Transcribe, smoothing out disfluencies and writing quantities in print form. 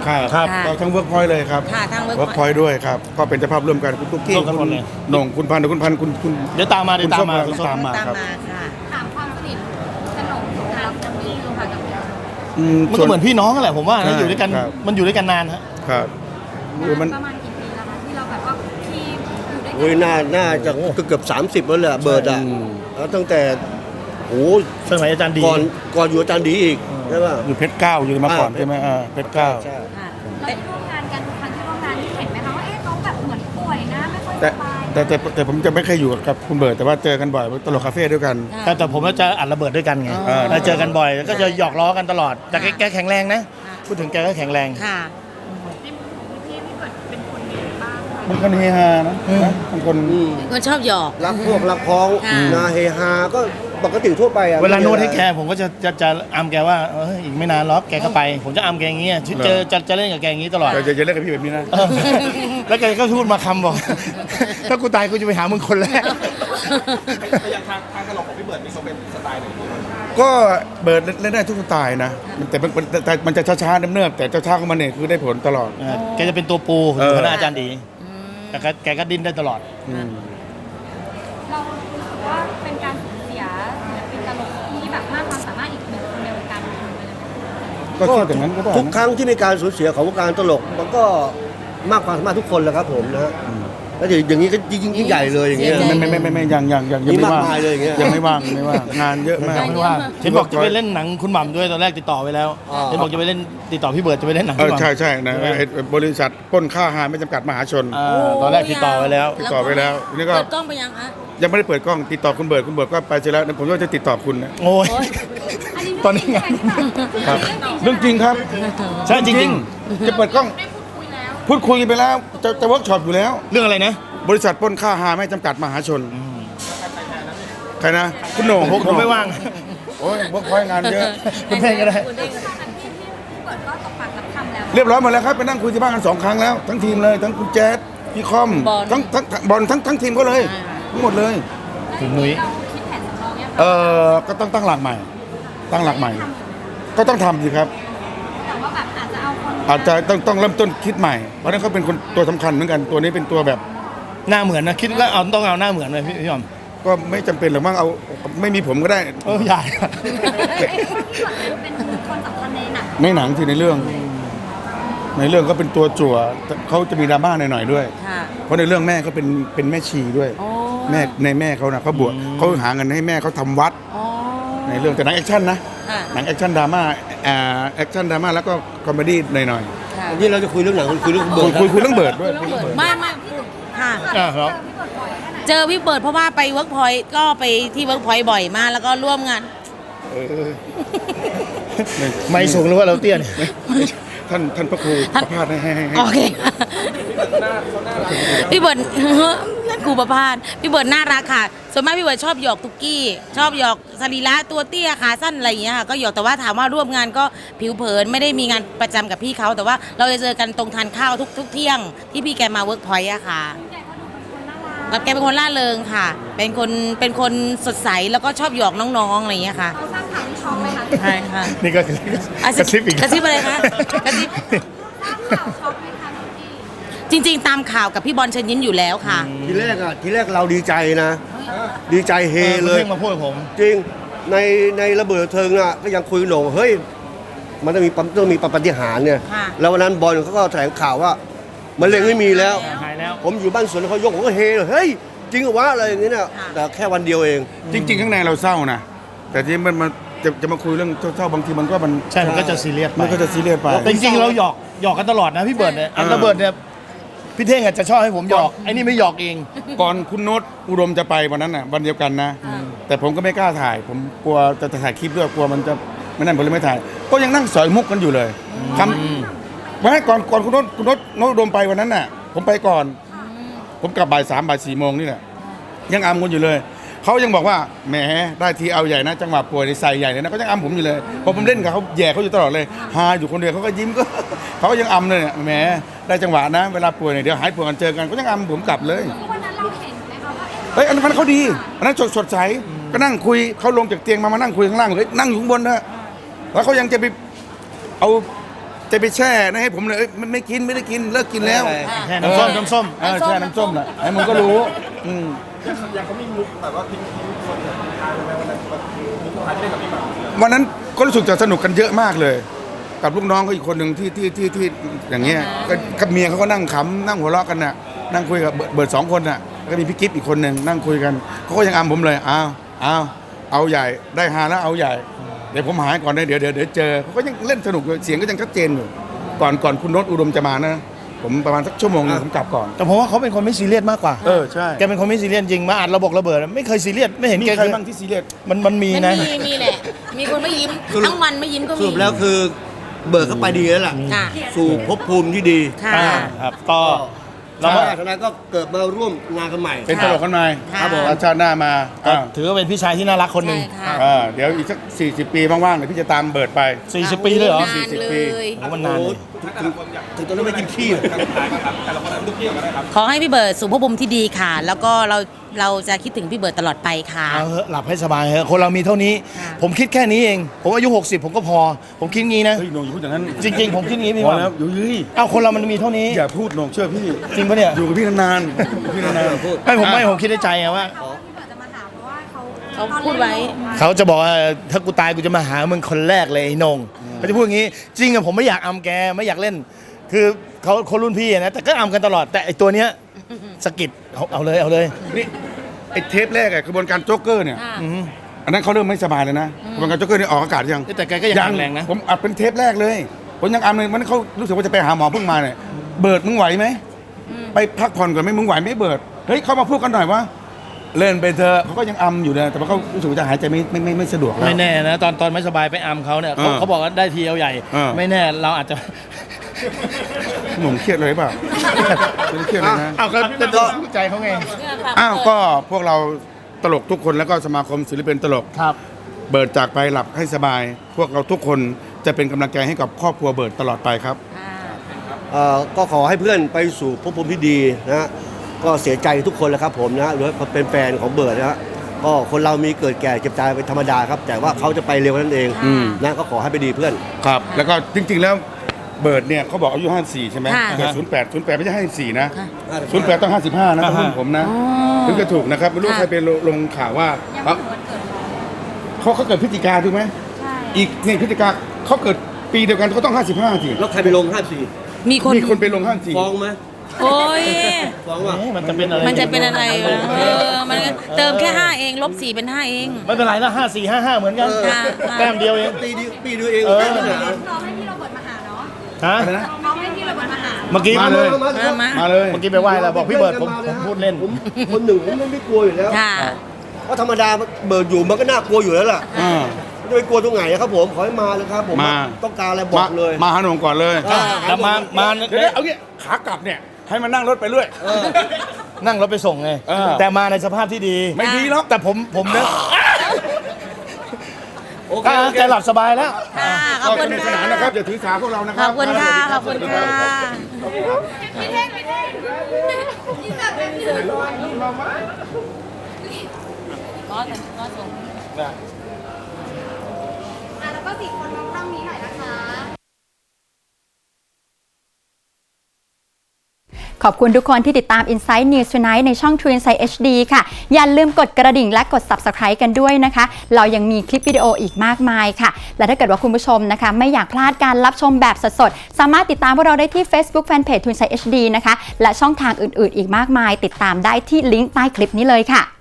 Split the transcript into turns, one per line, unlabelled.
ครับก็ทั้งเวิร์กพอยต์เลยครับ
ค่ะทั้ง
เวิร์ก
Workpoint
พอยต์ด้วยครับก็เป็นเจ้าภาพร่วมกันคุณตุ๊กกี้
ร่วมกันหม
คุ
ด
ณ
เลย
หน่งคุณพันธุ์คุณ
เดี๋ยวตามมา
คุณส้มตามมา
ตาม
ครับ
มาค่ะ
ถามความสนิทสนมกับพี่ลูกค่ะกับ
มันก็เหมือนพี่น้องกันแหละผมว่า
ใช่
นะอยู่ด้วยกัน
ครับ
มันอยู่ด้วยกันนานฮะ
ครับคือมัน
ประมาณกี่ปีแล้วคะที่เราแบบว่าทีมอยู่ด้วย
โอ้ย
กัน
น่าจะเกือบ30แล้วแหละเบิร์ดอ่ะแล้วตั้งแต่โอ้โห
สมัยอาจารย์ดี
ก่อนอยู่อาจารย์ดีอีกใช่ป่ะ
อยู่เพชรเก้าอยู่มาก่อนใช่ไหมเพชรเก้า
ใช่
ค่ะ
เราได้ร่วมงานกันทุกครั้งที่ร่วมงานที่เห็นไหมคะว่าเขาแบบเหมือนป่วยนะไม่ค่อยส
แต่
บาย
แต่ผมจะไม่เคยอยู่กับคุณเบิร์ดแต่ว่าเจอกันบ่อยตลกคาเฟ่ด้วยกัน
แต่ผมก็จะอัดระเบิดด้วยกันไง
อ๋อ
แล้วเจอกันบ่อยแล้วก็จะหยอกล้อกันตลอดแต่แกแข็งแรงนะพูดถึงแกก็แข็งแรง
ค่ะ
มันคนเฮฮานะมันคน
คนชอบหยอก
รักพวกรักพ้อง
ค่ะ
นาเฮฮาก็ปกติทั่วไปอ่ะ
เวลาโน้ตให้แกผมก็จะอัมแกว่าอีกไม่นานหรอกแกก็ไป ผมจะอัมแกอย่างเงี้ยจะเล่นกับแกอย่างงี้ตลอด
จะเล่นกับพี่แบบนี้นะ
เออแล้วแกก็พูดมาคำบอก ถ้ากูตายกูจะไปหามึงคนแรก
อย่างทางตลกของพี่เบิร์ดมีเขาเป็นสไตล์ไหน
ก็เบิร์ดเล่นได้ทุกสไตล์นะแต่มันจะช้าๆเนิบๆแต่ช้าๆของมันเนี่ยคือได้ผลตลอด
แกจะเป็นตัวปูของคณะอาจารย์ดีแต่แกก็ดิ้นได้ตลอด
เรารู้สึกว่าเป็นการสูญเสียศิลปินตลกที่แบบมากความสามารถอีกหนึ่งคนในวงการบันเทิงไปเลยไหม
ก็คิดอย่างนั้นก็ได้
ทุกครั้งที่มีการสูญเสียของวงการตลกมันก็มากความสามารถทุกคนแหละครับผมนะฮะแล้วอย่างนี้ก็ยิ่งใหญ่เลยอย่างเงี้ย
ไม่ยัง
มี
ไม่
มาก
ว่าง
มายเลยอย่างเงี้ย
ยังไม่ว่างงานเยอะมาก
ไม่ว่าเห็นบอกจะไปเล่นหนังคุณหม่ำด้วยตอนแรกติดต่อไปแล้ว
อ๋อ
เห็นบอกจะไปเล่นติดต่อพี่เบิร์ดจะไปเล่นหนัง
เอ
คุณ
อ
หม่ำ
ใช่นะไอ้บริษัทปล้นค่าอาหารไม่จำกัดมหาชน
ตอนแรกติดต่อไปแล้ว
ติดต่อไปแล้วนี่ก็
เปิดกล้องไปยังคะ
ยังไม่ได้เปิดกล้องติดต่อคุณเบิร์ดก็ไปเสร็จแล้วผมก็จะติดต่อคุณนะ
โอ้ย ตอนนี้ไง
ครับเรื่องจริงครับ
ใช่จริง
จะเปิดกล้อง
ได้พูดคุยแล้ว
พูดคุยไปแล้วจะเวิร์กช็อปอยู่แล้ว
เรื่องอะไรนะ
บริษัทปล้นค่าอาหารไม่จำกัดมหาชนใครนะคุณโหน่ง
ผมไม่ว่าง
โอ้ยเวิร์กพอยต์งานเยอะ
คุณเท่งก็ได้
ที่เปิดก็ตกปากรับคำแล้ว
เรียบร้อยหมดแล้วครับไปนั่งคุยที่บ้านกัน2 ครั้งแล้วทั้งทีมเลยทั้งคุณแจ๊ดพี่คอม
บอล
ทั้งบอลทั้งทีมก็เลยทั้งหมดเลย
คุณนุ้ย
เราคิดแผนสำรองเนี่ย
ก็ต้องตั้งหลักใหม่ ก็ต้องทำสิครับ
แต่ว่าแบบอาจจะเอาคน
อาจจะต้องเริ่มต้นคิดใหม่เพราะฉะนั้นเขาเป็นคนตัวสำคัญเหมือนกันตัวนี้เป็นตัวแบบ
หน้าเหมือนนะคิดว่าต้องเอาหน้าเหมือนเลยพี่หม่ำ
ก็ไม่จำเป็นหรอกมั้งเอาไม่มีผมก็ได้
ใหญ่
เป็นคนสำคัญในหนัง
ในหนังที่ในเรื่องก็เป็นตัวจั่วเขาจะมีดราม่าหน่อยๆด้วย
ค่ะ
เพราะในเรื่องแม่เขาเป็นแม่ชีด้วย
โอ้
แม่เขานะเขาบวชเขาหาเงินให้แม่เขาทำวัด
อ๋อ
ในเรื่องแต่หนังแอคชั่นนะ
ค่ะ
หนังแอคชั่นดราม่าแอคชั่นดราม่าแล้วก็คอมเมดี้หน่อย
ค่ะ
วันนี้เราจะคุยเรื่องหนังคุยเรื่อง
ๆ
เบิร์ด
คุยเรื่องเบิร์ดด้วย
ไม่ค่ะ
ครับ
เจอพี่เบิร์ดเพราะว่าไปเวิร์กพอยต์ก็ไปที่เวิร์กพอยต์บ่อยมากแล้วก็ร่วมงาน
เออ
ไม่สูงหรือว่าเราเตี้ยเนี่ย
ท่านพระครูประพาสให้
โอเค พี่เบิร์ด นั่นครูประพาสพี่เบิร์ดน่ารักค่ะ ส่วนมากพี่เบิร์ดชอบหยอกตุกกี้ ชอบหยอกสรีระตัวเตี้ยขาสั้นอะไรอย่างเงี้ยค่ะ ก็หยอกแต่ว่าถามว่าร่วมงานก็ผิวเผินไม่ได้มีงานประจำกับพี่เขาแต่ว่าเราจะเจอกันตรงทานข้าวทุกเที่ยงที่พี่แกมาเวิร์กพอยต์อะค่ะแล้วแกเป็นคนล่าเริงค่ะ เป็นคนสดใสแล้วก็ชอบหยอกน้องๆอะไรอย่างเงี้ยค่ะ
เราสร้างข่าวที่ช็อกไหมคะ
ใช่ค่ะ
นี่ก็กระซิบอีก
กระซิบอะไรคะกระซิบ
สร้างข่าวช็อกไหมคะพี่
จริง ๆ ตามข่าวกับพี่บอลเชิญยิ้มอยู่แล้วค่ะ
ทีแรกเราดีใจนะ ดีใจเฮเลย
เพิ่งมาพูดกับผม
จริงในระเบิดเทิงอ่ะก็ยังคุยโหน่งเฮ้ยมันต้องมีปาฏิหาริย์เนี่ย
ค่ะ
แล้ววันนั้นบอลเขาก็แถลงข่าวว่ามันเล็งไม่มีแล้ว
หายแล้ว
ผมอยู่บ้านสวนเขายกผมก็เฮเลยเฮ้ยจริงเหรอวะอะไรอย่างเงี้ยเนี่ย
ค่ะ
แต่แค่วันเดียวเอง
จริง ๆ ข้างในเราเศร้านะแต่ที่มันมาจะมาคุยเรื่องเศร้าๆบางทีมันก็
ใช่มันก็จะซีเรียสไป
มันก็จะซีเรียสไป
แต่จริงๆเราหยอกกันตลอดนะพี่เบิร์ดเนี่ยอันระเบิดเนี่ยพี่เท่งอาจจะชอบให้ผมหยอกไอ้นี่ไม่หยอกเอง
ก่อนคุณโน้ตอุดมจะไปวันนั้นน่ะวันเดียวกันนะ แต่ผมก็ไม่กล้าถ่าย ผมกลัวจะถ่ายคลิปด้วยกลัวมันจะไม่นั่นผมเลยไม่ถ่าย ก็ยังนั่งสอยมุกกันอยู่เลยคำวันนั้นก่อนคุณโน้ตอุดมไปวันนั้นน่ะ ผมไปก่อน ผมกลับบ่าย 3 บ่าย 4 โมงนี่แหละยังอำกันอยู่เลยเขายังบอกว่าแหมได้ทีเอาใหญ่นะจังหวะป่วยในใส่ใหญ่เลยนะก็ยังอำผมอยู่เลยพอผมเล่นกับเขาแย่เขาอยู่ตลอดเลยฮาอยู่คนเดียวเขาก็ยิ้มก็ เขาก็ยังอำเลยเนี่ยแหมได้จังหวะนะเวลาป่วยเนี่ยเดี๋ยวหายป่วยกันเจอกันก็ยังอำผมกลับเลย
วันนั้นเราเห็นไหมคะว่า
เฮ้ยอันนั้นเขาดีอันนั้นสดใสก็นั่งคุยเขาลงจากเตียงมานั่งคุยข้างล่างเลยนั่งอยู่ข้างบนนะแล้วเขายังจะไปเอาจะไปแช่นะให้ผมเลยเอ้ยไม่กินไม่ได้กินเลิกกินแล้ว
แค่น้ำส้มน้ำส้ม
แช่น้ำส้มน่ะให้มึงก็รู้อืม
อย่างเขามีมุกแบบว่าทิ้งคนแบบทานไปวันนั้นแบบมุกทานที่เล่นกับพี่หม่ำ
วันนั้นก็รู้สึกจะสนุกกันเยอะมากเลย กับลูกน้องเขาอีกคนหนึ่งที่อย่างเงี้ยก็กับเมียเขาก็นั่งขำนั่งหัวเราะกันน่ะนั่งคุยกับเบิร์ดสองคนน่ะแล้วก็มีพี่กิฟต์อีกคนหนึ่งนั่งคุยกันเขาก็ยังอำผมเลยเอาใหญ่ได้ฮาแล้วเอาใหญ่ เดี๋ยวผมหายก่อนนะเดี๋ยวเจอเขาก็ยังเล่นสนุกอยู่เสียงก็ยังชัดเจนอยู่ก่อนคุณโน้ตอุดมจะมานะผมประมาณสักชั่วโมงนึงผมกลับก่อน
แต่ผมว่าเขาเป็นคนไม่ซีเรียสมากกว่า
ใช่
แกเป็นคนไม่ซีเรียสจริงมาอัดระเบิดไม่เคยซีเรียสไม่เห็น
มี
แก
ใครบ้างที่ซีเรียส
มันมี
มัน
นะ
มีแหละ มีคนไม่ยิ้มทั้งวันไม่ยิ้มก็
ส
มี
รุปแล้วคือเบิร์ดเข้าไปดีแล้วล่ะ
ค่ะ
สู่ภพภูมิที่ดี
ค่ะ
ครับก็
แล้
เรา
ว
ก็
ฉะนั้นก็เกิดมาร่วมงานกันใหม่
เป็นตลกกันมา
ครับผม
แล้วชาติหน้ามา
ถือว่าเป็นพี่ชายที่น่ารักคนหนึ่ง
ใช่ค่ะ
เดี๋ยวอีกสัก40 ปีว่างๆเดี๋ยวพี่จะตามเบิร์ดไป
40 ปีเลยเหรอ
นาน
40
เล
ปี
ย
โอ้มันนานเลย
ถึงตอนนั้นไม่กินขี้เลย
แต่ละคนนั้นทุกเที่ยวกันได้ครับ
ขอให้พี่เบิร์ดสู่ภพภูมิที่ดีค่ะ แล้วก็เราจะคิดถึงพี่เบิร์ดตลอดไปค่ะ
เอาเถอะหลับให้สบายเถอะคนเรามีเท่านี้
ค่ะ
ผมคิดแค่นี้เอง ผมอายุ 60 ผมก็พอ ผมคิดงี้นะ
เฮ้ยโหนงอย่าพูดอย่างนั้น
จริง ๆ ผมคิดงี้พี่
พอ
ว่า
แล้วอยู่ยี่
เอาคนเรามันมีเท่านี้
อย่าพูดโหนงเชื่อพี่
จริงปะเนี่ย
อยู่กับพี่นานๆอยู่กับพี่นานๆ
พูด
ผมคิดในใจไงว่า
พี่เบิร์ดจะมาหาเพราะว่าเขา
เขาพูดไว้
เขาจะบอกว่าถ้ากูตายกูจะมาหามึงคนแรกเลยไอ้นงเขาจะพูดอย่างงี้ จริงอะผมไม่อยากอำแกไม่อยากเล่น คือเขาคนรุ่นพี่อะนะแต่ก็อำกันตลอดแต่ไอตัวเนี้ยสะกิดเอาเลย
นี่ไอ้เทปแรกอะกระบวนการโจ๊กเกอร์เนี่ย
ค่ะ
อันนั้นเขาเริ่มไม่สบายเลยนะกระบวนการโจ๊กเกอร์นี่ออกอากาศยัง
แต่แกก็ยังแข็งแรงนะ
ผมอัดเป็นเทปแรกเลยผมยังอัดเลยมันเขารู้สึกว่าจะไปหาหมอเพิ่งมาเนี่ยเบิร์ดมึงไหวไหมไปพักผ่อนก่อนไหมมึงไหวไหมเบิร์ดเฮ้ยเขามาพูดกันหน่อยว่าเล่นไปเถอะเขาก็ยังอำอยู่นะแต่ว่าเขารู้สึกว่าจะหายใจไม่สะดวกแล้ว
ไม่แน่นะตอนไม่สบายไปอำเขาเนี่ยเขาบอกว่าได้ทีเอาใหญ่ ไม่แน่เราอาจจะ
หนุ่มเครียดเลยเปล่าไม่ได้เครียดเลยนะ
เอาก็เป็นใจเขาไง
อ้าวก็พวกเราตลกทุกคนแล้วก็สมาคมศิลปินตลก
ครับ
เบิร์ดจากไปหลับให้สบาย พวกเราทุกคนจะเป็นกำลังใจให้กับครอบครัวเบิร์ดตลอดไปครับ
ก็ขอให้เพื่อนไปสู่ภพภูมิที่ดีนะฮะก็เสียใจทุกคนแหละครับผมนะหรือว่าเป็นแฟนของเบิร์ดนะฮะก็คนเรามีเกิดแก่เจ็บตายเป็นธรรมดาครับ แต่ว่าเขาจะไปเร็วนั่นเอง
อืม
นะก็ขอให้ไปดีเพื่อน
ครับ แล้วก็จริงๆแล้วเบิร์ดเนี่ยเขาบอกอายุ54ใช่ไหม
ค่ะ
เกิด08ไม่ใช่54นะ
ค่ะ
08ต้อง55นะต้องรุ่นผมนะ
อ๋อ
ถึงจะถูกนะครับไม่รู้
ค่ะ
ใครไปลงข่าวว่า
ยังไม่ถึงวันเกิดเขา
เขาเกิดพฤศจิกาถูกไหม
ใช่
อีกนี่พฤศจิกาเขาเกิดปีเดียวกันเขาต้อง55สิ
แล้วใครไปลง54
มีคน
มีคนไปลง54
ฟ้องไหม
โอ้ย
ฟ้องว่า
มันจะเป็นอะไร
มันจะเป็นอะไรวะมันเติมแค่ 5 เองลบ 4 เป็น 5 เอง
ไม่เป็นไรนะ5455เหมือนกัน
ค่ะ
แต้มเดียวเอง
ปีเดียวเอง
เออ
แค่ปัญหา
น้องให้พี่โรเบิร์ตมาหาเนาะ
ฮะ
อะไรนะ
น้องให้พี่โรเบิร์ตมาหา
เมื่อกี้
มาเลย
มา
มาเลย
เมื่อกี้ไปไหว้แล้วบอกพี่เบิร์ดผมพูดเล่น
ผมคนหนึ่งผมไม่กลัวอยู่แล้ว
ค่ะ
เพราะธรรมดาเบิร์ดอยู่มันก็น่ากลัวอยู่แล้วล่ะ
อ่า
ไม่ไปกลัวตรงไหนนะครับผมขอให้มาเลยครับผม
มา
ต้องการอะไรบอกเลย
มาหาหนุ่มก่อนเลย
แต่มา
เดี๋ยวเอางี้ขากลับเนี่ยให้มันนั่งรถไปเรื่อย
นั่งรถไปส่งไง
เออ
แต่มาในสภาพที่ดี
ไม่ดีหรอก
แต่ผมเนี่ย
โอเคโอเค
ใจหลับสบายแล้ว
ค่ะขอบ
ก็
คุ
ส
ณ
นุกส
ค่ะ
นานนะครับอย่าถือสาพวกเรานะค
ข
รั
อบคุณค่ะ ขอบคุณค่ะ
พี่เท่งพี่เท่งพี่แบบเป็นพี่เลย
ก็ส่ง
แล้วก็4 คนมองกล้องนี้หน่อยนะคะ
ขอบคุณทุกคนที่ติดตาม Inside News Tonight ในช่อง True Insight HD ค่ะ อย่าลืมกดกระดิ่งและกด Subscribe กันด้วยนะคะ เรายังมีคลิปวิดีโออีกมากมายค่ะ และถ้าเกิดว่าคุณผู้ชมนะคะ ไม่อยากพลาดการรับชมแบบสดๆ สามารถติดตามพวกเราได้ที่ Facebook Fanpage True Insight HD นะคะ และช่องทางอื่นๆ อีกมากมาย ติดตามได้ที่ลิงก์ใต้คลิปนี้เลยค่ะ